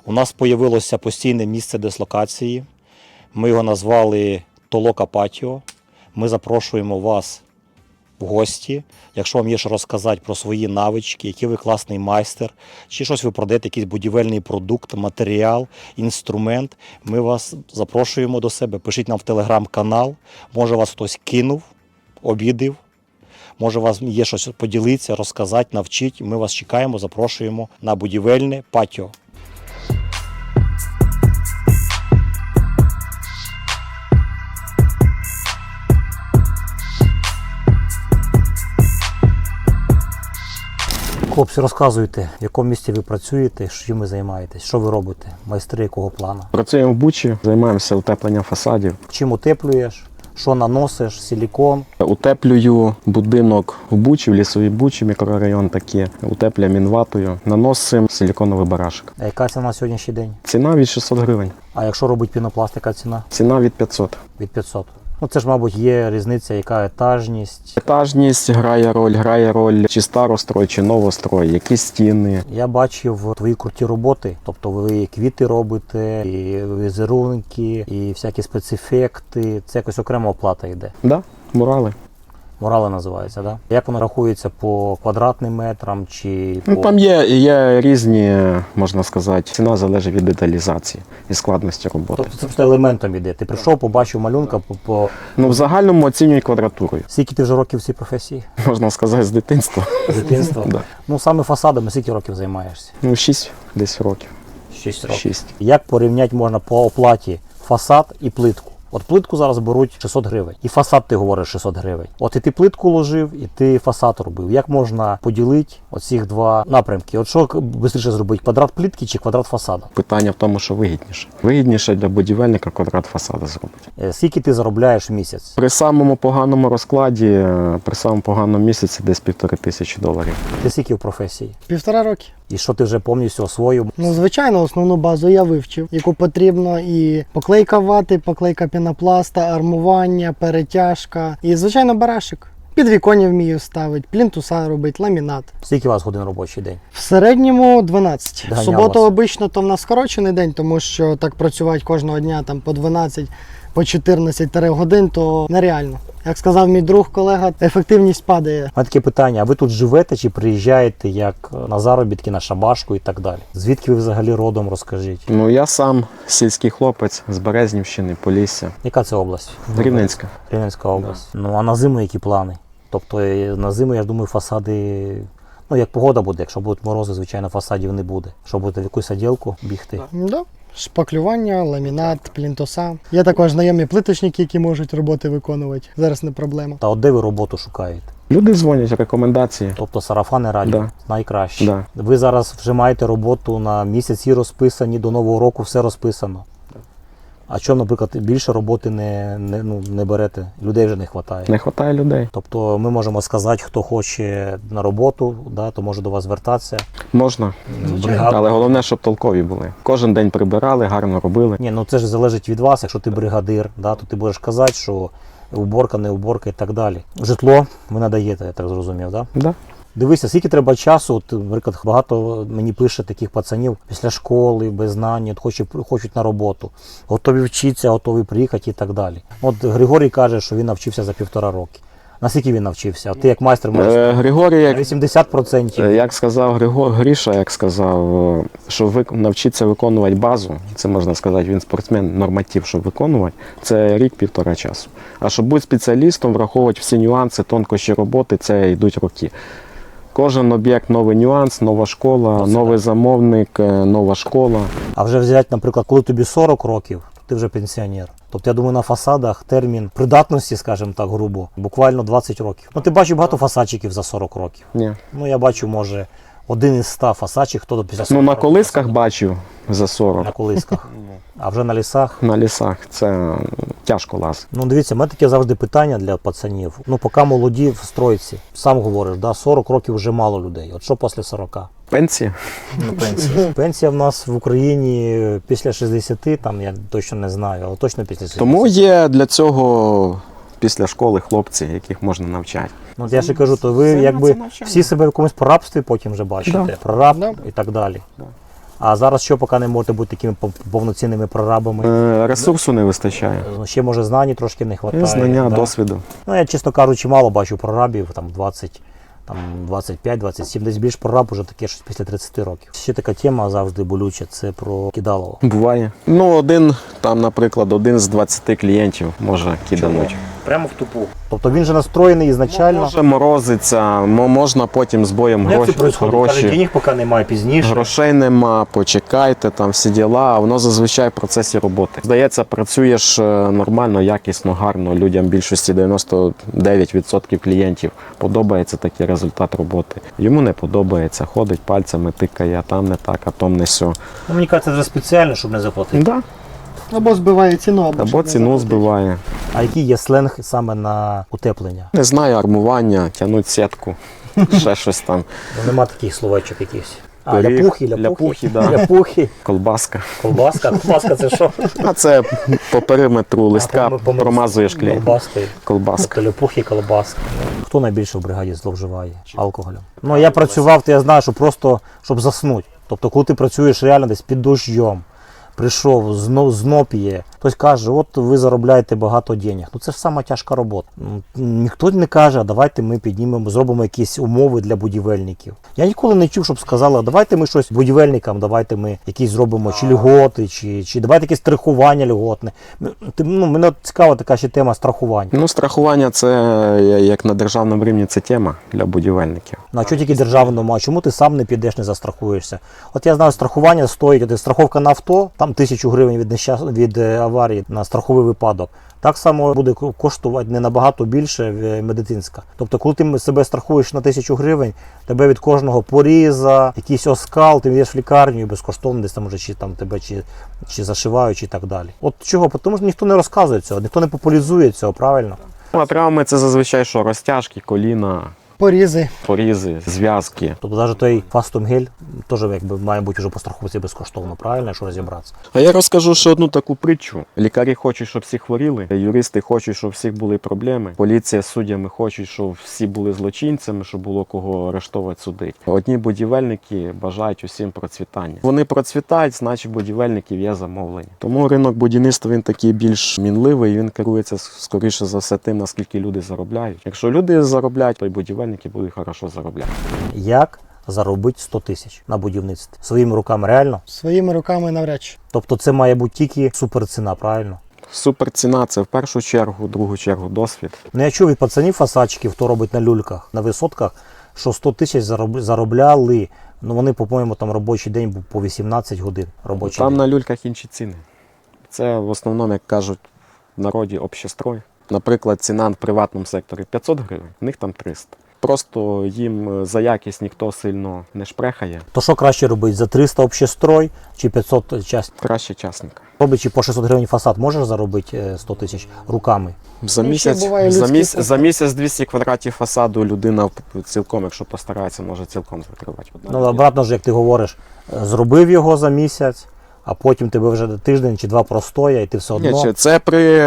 У нас з'явилося постійне місце дислокації. Ми його назвали Толока Патіо. Ми запрошуємо вас в гості. Якщо вам є що розказати про свої навички, який ви класний майстер, чи щось ви продаєте, якийсь будівельний продукт, матеріал, інструмент, ми вас запрошуємо до себе. Пишіть нам в телеграм-канал. Може вас хтось кинув, обідив. Може, у вас є щось поділитися, розказати, навчити. Ми вас чекаємо, запрошуємо на будівельне патіо. Хлопці, розказуйте, в якому місці ви працюєте, чим ви займаєтесь, що ви робите, майстри якого плану? Працюємо в Бучі, займаємося утепленням фасадів. Чим утеплюєш, що наносиш, силікон? Утеплюю будинок в Бучі, в лісовій Бучі, мікрорайон такий. Утеплюємо мінватою, наносимо силіконовий барашок. А яка ціна на сьогоднішній день? Ціна від 600 гривень. А якщо робить пінопласт, яка ціна? Ціна від 500. Від 500. Ну це ж, мабуть, є різниця, яка етажність. Етажність грає роль чи старострой, чи новострой, які стіни. Я бачив твої круті роботи, тобто ви квіти робите, і візерунки, і всякі спецефекти. Це якось окрема оплата йде. Да, мурали. Мурали називається, да? Як воно рахується по квадратним метрам чи по... Ну, там є різні, можна сказати, ціна залежить від деталізації і складності роботи. Тобто це просто елементом іде. Ти прийшов, побачив малюнка по... Ну, в загальному оцінюють квадратурою. Скільки ти вже років в цій професії? Можна сказати, з дитинства. З дитинства? Да. Ну, саме фасадами скільки років займаєшся? Ну, 6 десь років. 6 років. 6. Як порівняти можна по оплаті фасад і плитку? От плитку зараз беруть 600 гривень. І фасад, ти говориш, 600 гривень. От і ти плитку ложив, і ти фасад робив. Як можна поділити оці два напрямки? От що швидше зробити? Квадрат плитки чи квадрат фасада? Питання в тому, що вигідніше. Вигідніше для будівельника квадрат фасада зробити. Скільки ти заробляєш в місяць? При самому поганому розкладі, при самому поганому місяці десь $1500. Ти скільки в професії? 1,5 роки. І що ти вже повністю освоїв? Ну, звичайно, основну базу я вивчив, яку потрібно і поклейка вати, поклейка пінопласта, армування, перетяжка і, звичайно, барашик. Підвіконня вмію ставити, плінтуса робити, ламінат. Скільки у вас годин робочий день? В середньому 12. В Доганяв суботу вас. обично то в нас скорочений день, тому що так працювати кожного дня там по 12, по 14 годин, то нереально. Як сказав мій друг, колега, ефективність падає. У мене таке питання, а ви тут живете чи приїжджаєте як на заробітки, на шабашку і так далі? Звідки ви взагалі родом, розкажіть? Ну, я сам сільський хлопець з Березнівщини, Полісся. Яка це область? Рівненська. Рівненська область. Ну а на зиму які плани? Тобто на зиму, я ж думаю, фасади, ну як погода буде, якщо будуть морози, звичайно, фасадів не буде. Що будете в якусь оділку бігти? Да. Шпаклювання, ламінат, плінтуса. Є також знайомі плиточники, які можуть роботи виконувати. Зараз не проблема. Та от де ви роботу шукаєте? Люди дзвонять, рекомендації. Тобто сарафани радіо Да. найкраще. Да. Ви зараз вже маєте роботу на місяці розписані, до Нового року все розписано. А чому, наприклад, більше роботи не берете? Людей вже не вистачає. Не вистачає людей. Тобто ми можемо сказати, хто хоче на роботу, да, то може до вас звертатися. Можна, Бригаду. але головне, щоб толкові були. Кожен день прибирали, гарно робили. Ні, ну це ж залежить від вас. Якщо ти бригадир, да, то ти будеш казати, що уборка, не уборка і так далі. Житло ви надаєте, я так зрозумів, да? Да. Дивися, скільки треба часу, от, наприклад, багато мені пише таких пацанів після школи, без знань, от хочуть на роботу, готові вчитися, готові приїхати і так далі. От Григорій каже, що він навчився за 1,5 роки. Наскільки він навчився? Ти як майстер можеш Григорій, на 80%. як сказав Гріша, як сказав, що навчитися виконувати базу, це можна сказати, він спортсмен, норматив, щоб виконувати, це рік-1,5 часу. А щоб бути спеціалістом, враховувати всі нюанси, тонкощі роботи, це йдуть роки. Кожен об'єкт новий нюанс, нова школа, новий замовник, нова школа. А вже взяти, наприклад, коли тобі 40 років, то ти вже пенсіонер. Тобто, я думаю, на фасадах термін придатності, скажімо так, грубо, буквально 20 років. Ну, ти бачив багато фасадчиків за 40 років. Ні. Ну, я бачу, може, один із 100 фасадчиків, хто до після 40 Ну, на років колисках фасадів. бачив за 40. На колисках. А вже на лісах? На лісах це тяжко лазити. Ну, дивіться, в мене таке завжди питання для пацанів. Ну, поки молоді в стройці, сам говориш, да, 40 років вже мало людей. От що після 40? Пенсії? Ну, пенсія. Пенсія в нас в Україні після 60, там я точно не знаю, але точно після 60. Тому є для цього після школи хлопці, яких можна навчати. Ну, от я ще кажу, то ви якби всі себе в якомусь прорабстві потім вже бачите. Да. Прораб Да. і так далі. Да. А зараз що, поки не можете бути такими повноцінними прорабами? Ресурсу не вистачає. Ще, може, знань трошки не вистачає. Знання, да? досвіду. Ну, я, чесно кажучи, мало бачу прорабів, там 20, там 25, 27, десь більш прораб уже таке щось після 30 років. Ще така тема завжди болюча, це про кидалово. Буває. Наприклад, один з 20 клієнтів може кидануть. Прямо в тупу. Тобто він же настроєний ізначально. Може морозиться, можна потім з боєм Як це відбувається? Каже, денег поки немає, пізніше. Грошей нема, почекайте, там всі діла, а воно зазвичай в процесі роботи. Здається, працюєш нормально, якісно, гарно. Людям більшості 99% клієнтів подобається такий результат роботи. Йому не подобається, ходить пальцями, тикає, а там не так, а там не сьо. Ну, мені кажеться, це вже спеціально, щоб не заплатити. Да. Або збиває ціну, або Або щоб не ціну заплатити. збиває. А який є сленг саме на утеплення? Не знаю, армування, тягнуть сітку, ще щось там. Ну, нема таких словечок якихось. Пиріг, Ляпухи, ляпухи, да. Ляпухи, Колбаска. колбаска. Колбаска це що? А це по периметру листка промазуєш клей. Колбаскою. Колбаска. Тобто ляпухи, колбаска. Хто найбільше в бригаді зловживає алкоголем? Ну, я працював, то я знаю, що просто, щоб заснути. Тобто, коли ти працюєш реально десь під дощом, прийшов, знов п'є, хтось каже, от ви заробляєте багато денег. Ну це ж сама тяжка робота. Ніхто не каже, а давайте ми піднімемо, зробимо якісь умови для будівельників. Я ніколи не чув, щоб сказали, давайте ми щось будівельникам, давайте ми якісь зробимо чи льготи, чи давайте якесь страхування льготне. Мене цікава така ще тема страхування. Ну, страхування це, як на державному рівні, це тема для будівельників. Ну, а що тільки державному, а чому ти сам не підеш, не застрахуєшся? От я знаю, страхування стоїть, от страховка на авто, там 1000 гривень від аварії на страховий випадок. Так само буде коштувати не набагато більше медицинська. Тобто, коли ти себе страхуєш на 1000 гривень, тебе від кожного поріза, якийсь оскал, ти йдеш в лікарню і безкоштовно десь там уже чи там тебе чи зашивають, і так далі. От чого? Тому що ніхто не розказує цього, ніхто не популяризує цього, правильно? Ну, а травми це зазвичай що? Розтяжки, коліна, Порізи. порізи, зв'язки. Тобто навіть той фастумгель теж якби має бути вже по страховці безкоштовно, правильно, якщо розібратися. А я розкажу ще одну таку притчу. Лікарі хочуть, щоб всі хворіли, юристи хочуть, щоб у всіх були проблеми. Поліція з суддями хочуть, щоб всі були злочинцями, щоб було кого арештовувати, судити. Одні будівельники бажають усім процвітання. Вони процвітають, значить будівельників є замовлення. Тому ринок будівництва він такий більш мінливий, він керується скоріше за все тим, наскільки люди заробляють. Якщо люди заробляють, то й будівельники будуть хорошо заробляти. Як заробити 100 тисяч на будівництві? Своїми руками реально? Своїми руками навряд чи. Тобто це має бути тільки суперціна, правильно? Суперціна – це в першу чергу, в другу чергу досвід. Ну я чув від пацанів фасадчиків, хто робить на люльках, на висотках, що 100 тисяч заробляли. Ну вони, по-моєму, там робочий день був по 18 годин. Робочий Там день. на люльках інші ціни. Це в основному, як кажуть в народі, общестрой. Наприклад, ціна в приватному секторі 500 гривень, в них там 300. Просто їм за якість ніхто сильно не шпрехає. То що краще робити, за 300 общестрой чи 500 часть? Краще частника. Робичи по 600 гривень фасад, можеш заробити 100 тисяч руками? За Ну, місяць, ще буває за, людський місяць, за місяць 200 квадратів фасаду людина цілком, якщо постарається, може цілком закривати. Ну, обратно ж, як ти говориш, зробив його за місяць, а потім тебе вже тиждень чи два простоя, і ти все одно... Ні, це при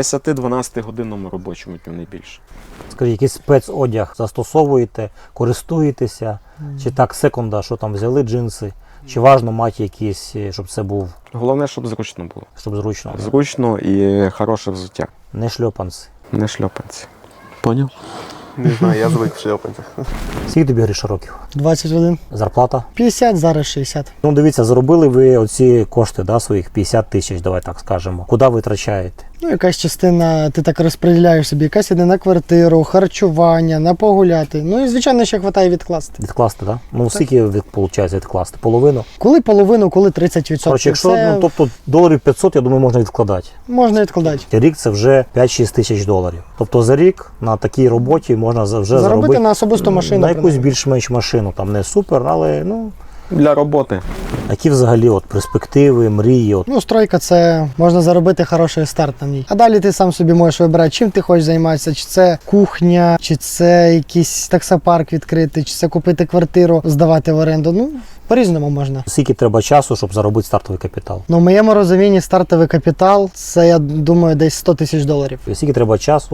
10-12 годинному робочому дню, не більше. Скажіть, якийсь спецодяг застосовуєте, користуєтеся, чи так секунда, що там взяли джинси, чи важно мати якісь, щоб це був, Головне, щоб зручно було. щоб зручно, Зручно і хороше взуття. не шльопанці. Не шльопанці. Поняв? Не знаю, я звик в шльопанцях. Скільки тобі Гриша років? 21. Зарплата? 50, зараз 60. Ну дивіться, заробили ви оці кошти, да, своїх 50 тисяч, давай так скажемо. Куди витрачаєте? Ну, якась частина, ти так розподіляєш собі, якась іде на квартиру, харчування, на погуляти. Ну і, звичайно, ще хватає відкласти. Відкласти, так? Да? Ну скільки виходить відкласти? Половину? Коли половину, коли 30%. Коротше, якщо, Це ну, тобто доларів 500, я думаю, можна відкладати. можна відкладати. Рік це вже 5-6 тисяч доларів. Тобто за рік на такій роботі можна вже Заробити на особисту машину. на якусь принаймні. більш-менш машину. Там не супер, але ну. Для роботи. Які взагалі от перспективи, мрії? От. Ну, стройка це можна заробити хороший старт на ній. А далі ти сам собі можеш вибирати, чим ти хочеш займатися, чи це кухня, чи це якийсь таксопарк відкрити, чи це купити квартиру, здавати в оренду. Ну, по-різному можна. Скільки треба часу, щоб заробити стартовий капітал? Ну, в моєму розумінні стартовий капітал це, я думаю, десь 100 тисяч доларів. І скільки треба часу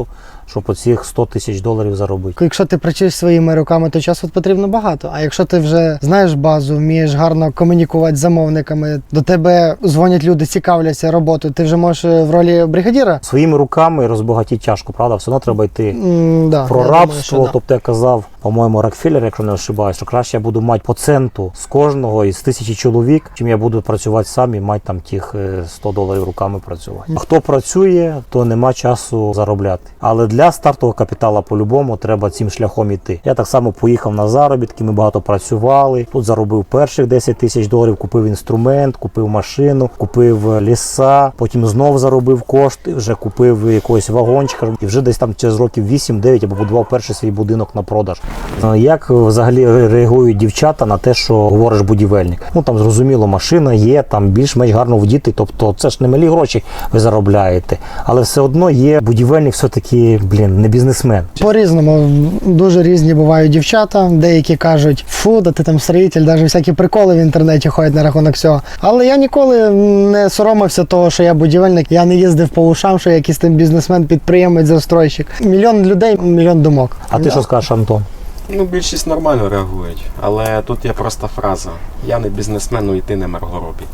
щоб оцих 100 тисяч доларів заробити. Якщо ти працюєш своїми руками, то часу потрібно багато. А якщо ти вже знаєш базу, вмієш гарно комунікувати з замовниками, до тебе дзвонять люди, цікавляться роботою, ти вже можеш в ролі бригадіра. Своїми руками розбагатіти тяжко, правда? Все одно треба йти Да, про я рабство. думаю, що да. Тобто я казав, по-моєму, Рокфеллер, якщо не ошибаюсь, що краще я буду мати по центу з кожного із 1000 чоловік, чим я буду працювати сам і мати там тих 100 доларів руками працювати. А хто працює, то нема часу заробляти. Але для стартового капіталу по-любому треба цим шляхом іти. Я так само поїхав на заробітки, ми багато працювали. Тут заробив перших 10 тисяч доларів, купив інструмент, купив машину, купив ліса, потім знов заробив кошти, вже купив якогось вагончика і вже десь там через років 8-9 я побудував перший свій будинок на продаж. Як взагалі реагують дівчата на те, що говориш будівельник? Ну там зрозуміло, машина є, там більш-менш гарно вдіти, тобто це ж не малі гроші ви заробляєте, але все одно є будівельник все-таки, не бізнесмен. По-різному, дуже різні бувають дівчата, деякі кажуть, фу, да ти там строїтель, навіть всякі приколи в інтернеті ходять на рахунок цього. Але я ніколи не соромився того, що я будівельник, я не їздив по ушам, що я якийсь там бізнесмен, підприємець, застройщик. Мільйон людей, мільйон думок. А ти що скажеш, Антон? Ну, більшість нормально реагують, але тут є проста фраза: я не бізнесмен, ну і ти не Маргоробі.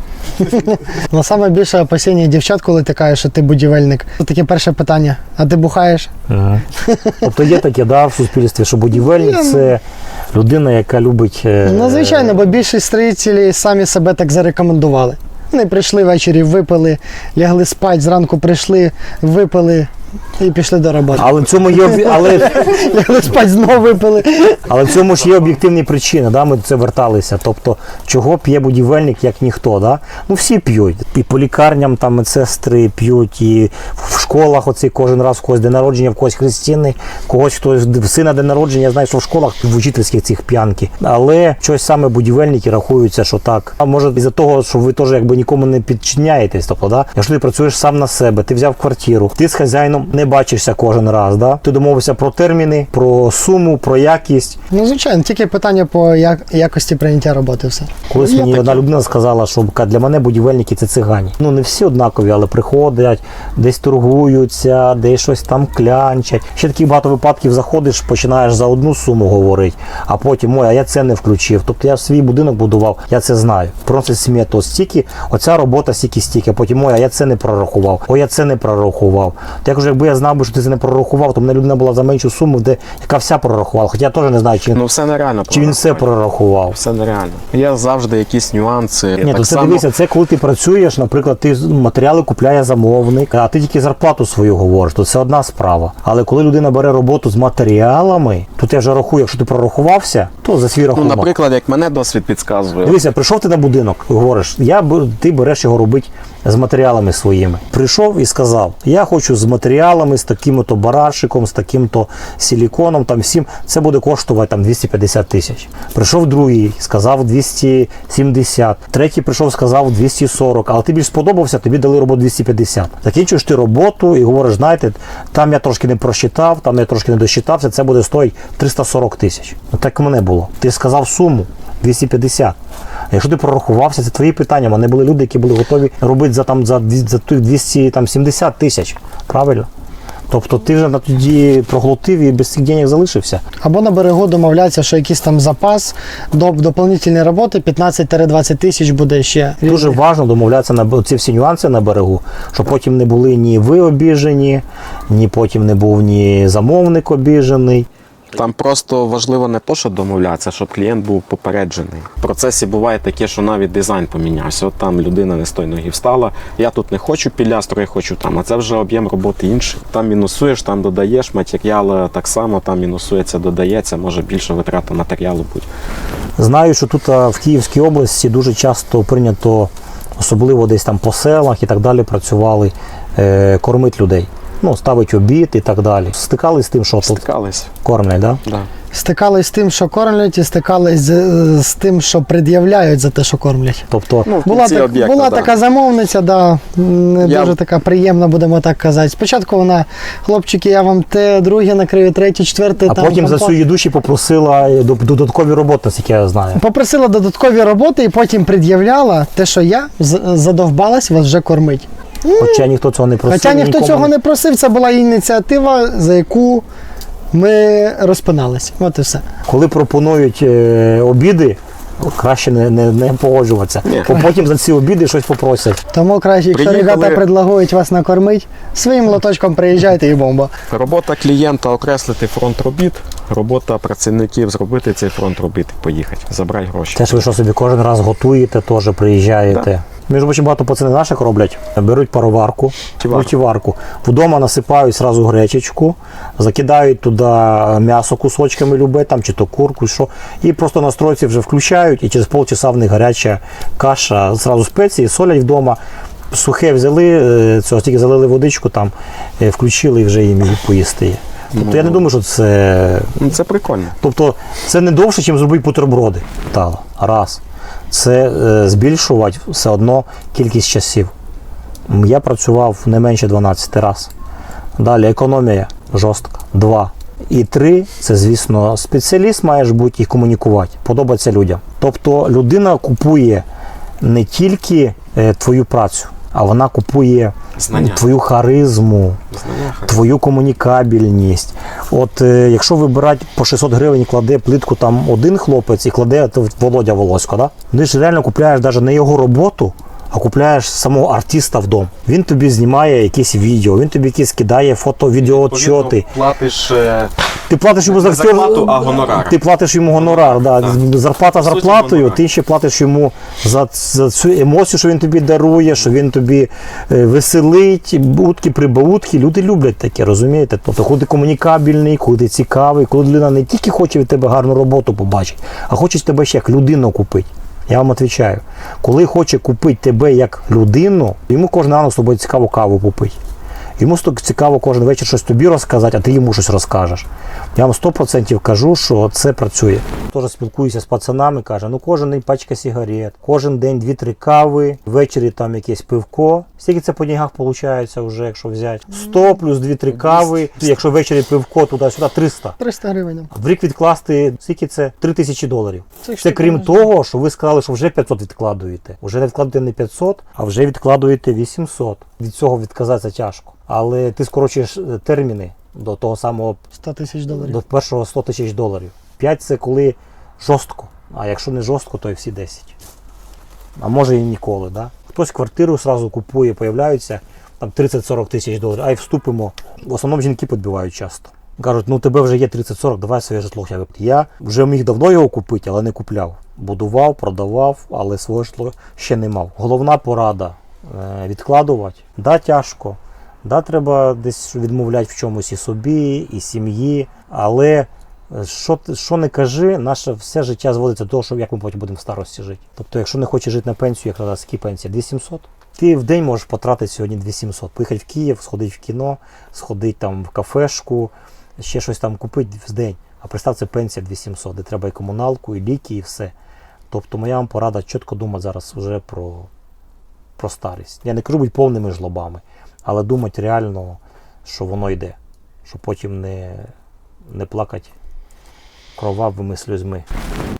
Но саме більше опасіння дівчат, коли ти кажеш, що ти будівельник. Це таке перше питання. А ти бухаєш? Тобто є таке, в суспільстві, що будівельник – це людина, яка любить... Ну, звичайно, бо більшість строїтелів самі себе так зарекомендували. Вони прийшли ввечері, випили, лягли спать, зранку прийшли, випили і пішли до роботи. Але в цьому є Лягли спать, знову випили. Але в цьому ж є об'єктивні причини, ми до це верталися. Тобто, чого п'є будівельник, як ніхто, да? Ну всі п'ють. І по лікарням там медсестри п'ють, і в школах оцей кожен раз в когось день народження, в когось хрестини, когось хтось в сина день народження, я знаю, що в школах в учительських цих п'янки. Але щось саме будівельники рахуються, що так. А може із-за того, що ви теж якби нікому не підчиняєтесь, тобто, да? Якщо ти працюєш сам на себе, ти взяв квартиру, ти з хазяїном не бачишся кожен раз, да? Ти домовився про терміни, про суму, про якість. Ну, звичайно, тільки питання по якості прийняття роботи все. Колись мені одна людина сказала, що для мене будівельники – це цигані. Ну, не всі однакові, але приходять, десь торгуються, десь щось там клянчать. Ще таких багато випадків заходиш, починаєш за одну суму говорити, а потім, а я це не включив. Тобто я свій будинок будував, я це знаю. Приносить смету стільки, оця робота стільки, а потім, а я це не прорахував, я це не прорахував. То я кажу, якби я знав би, що ти це не прорахував, то мене людина була за меншу суму, яка вся прорахувала. Хоча я теж не знаю, чи все нереально. Чи він все прорахував? Все нереально. Є завжди якісь нюанси. Ні, то це дивися, це коли ти працюєш, наприклад, ти матеріали купляє замовник, а ти тільки зарплату свою говориш, то це одна справа. Але коли людина бере роботу з матеріалами, то я вже рахую, якщо ти прорахувався, то за свій рахунок. Ну, наприклад, як мене досвід підказує. Дивися, прийшов ти на будинок, говориш, ти береш його робити з матеріалами своїми. Прийшов і сказав, я хочу з матеріалами, з таким-то барашиком, з таким-то силіконом, там всім, це буде коштувати там 250 тисяч. Прийшов другий, сказав 270. Третій прийшов, сказав 240, але ти більш сподобався, тобі дали роботу 250. Закінчуєш ти роботу і говориш, знаєте, там я трошки не просчитав, там я трошки не досчитався, це буде стоїть 340 тисяч. Ну так і мене було. Ти сказав суму 250. Якщо ти прорахувався, це твої питання. Мене були люди, які були готові робити за тих 270 тисяч. Правильно? Тобто ти вже тоді проглотив і без цих денег залишився. Або на берегу домовляться, що якийсь там запас до доповнительної роботи 15-20 тисяч буде ще. Дуже важливо домовлятися на ці всі нюанси на берегу, щоб потім не були ні ви обіжені, ні потім не був ні замовник обіжений. Там просто важливо не то, що домовлятися, щоб клієнт був попереджений. В процесі буває таке, що навіть дизайн помінявся. От там людина не з тої ноги встала, я тут не хочу пілястру, я хочу там, а це вже об'єм роботи інший. Там мінусуєш, там додаєш, матеріал так само, там мінусується, додається, може більше витрата матеріалу бути. Знаю, що тут в Київській області дуже часто прийнято, особливо десь там по селах і так далі, працювали, кормить людей. Ну, ставить обід і так далі. Стикались з тим, що тут кормлять, так? Да. Стикались з тим, що кормлять, і стикались з тим, що пред'являють за те, що кормлять. Тобто була така замовниця, дуже така приємна, будемо так казати. Спочатку вона, хлопчики, я вам те, друге накрию, третє, четверте. А потім за цю їду ще попросила додаткові роботи, наскільки я знаю. Попросила додаткові роботи і потім пред'являла те, що я задовбалась вас вже кормить. Хоча ніхто цього не просив. Хоча ніхто нікому цього не просив, це була ініціатива, за яку ми розпиналися. От і все. Коли пропонують обіди, краще не погоджуватися. Бо потім за ці обіди щось попросять. Тому краще, якщо Приїхали- ребята предлагають вас накормити, своїм лоточком приїжджайте і бомба. Робота клієнта окреслити фронт робіт, робота працівників зробити цей фронт робіт і поїхати, забрати гроші. Те ж ви що собі кожен раз готуєте, теж приїжджаєте. Між іншим, багато пацани наших роблять, беруть пароварку, мультиварку, вдома насипають сразу гречечку, закидають туди м'ясо кусочками любе, там, чи то курку, що, і просто на стройці вже включають, і через полчаса в них гаряча каша, зразу спеції, солять вдома, сухе взяли, цього тільки залили водичку, там, включили і вже їм і поїсти є. Тобто я не думаю, що це... Ну, це прикольно. Тобто це не довше, ніж зробити бутерброди. Раз. Це збільшувати все одно кількість часів. Я працював не менше 12 разів. Далі економія жорстка. 2. І 3 – це, звісно, спеціаліст маєш бути і комунікувати, подобається людям. Тобто людина купує не тільки твою працю, а вона купує Знання. твою харизму, твою комунікабельність. От якщо вибирати по 600 гривень, кладе плитку там один хлопець і кладе Володя Волосько, да? Ти ж реально купляєш навіть не його роботу, а купляєш самого артиста в дом. Він тобі знімає якісь відео, він тобі якісь кидає фото-відео-отчоти. Платиш Ти платиш йому не зарплату, а гонорар. Ти платиш йому гонорар, да. Зарплата суті, зарплатою, гонорар. ти ще платиш йому за цю емоцію, що він тобі дарує, що він тобі веселить, утки-прибаутки. Люди люблять таке, розумієте? Тобто, коли ти комунікабельний, коли ти цікавий, коли людина не тільки хоче від тебе гарну роботу побачити, а хоче тебе ще як людину купити. Я вам відповідаю. Коли хоче купити тебе як людину, йому кожен ранок з тобою цікаво каву попити. Йому цікаво кожен вечір щось тобі розказати, а ти йому щось розкажеш. Я вам 100% кажу, що це працює. Теж спілкуюся з пацанами, каже, ну кожен день пачка сигарет, кожен день 2-3 кави, ввечері там якесь пивко. Скільки це по деньгах виходить вже, якщо взяти? 100 плюс 2-3 кави, якщо ввечері пивко, туди-сюди 300. 300 гривень. В рік відкласти, скільки це? $3000. Це Це крім того, що ви сказали, що вже 500 відкладуєте. Вже не відкладуєте не 500, а вже відкладуєте 800. Від цього відказатися тяжко. Але ти скорочуєш терміни до того самого, $100 000. до першого $100 000. 5 – це коли жорстко. А якщо не жорстко, то і всі 10. А може і ніколи. Да? Хтось квартиру одразу купує, появляються там 30-40 тисяч доларів. А й вступимо. В основному жінки підбивають часто. Кажуть, ну тебе вже є 30-40, давай своє житло. Я вже міг давно його купити, але не купляв. Будував, продавав, але своє житло ще не мав. Головна порада – відкладувати. Да, тяжко. Да, треба десь відмовляти в чомусь і собі, і сім'ї. Але що не кажи, наше все життя зводиться до того, що як ми потім будемо в старості жити. Тобто, якщо не хочеш жити на пенсію, як зараз скільки пенсія? 2700? Ти в день можеш потратити сьогодні 2700. Поїхати в Київ, сходити в кіно, сходити там в кафешку, ще щось там купити в день. А представ, це пенсія 2700, де треба і комуналку, і ліки, і все. Тобто моя вам порада чітко думати зараз вже про старість. Я не кажу бути повними жлобами, але думати реально, що воно йде. Щоб потім не плакати кровавими сльозьми.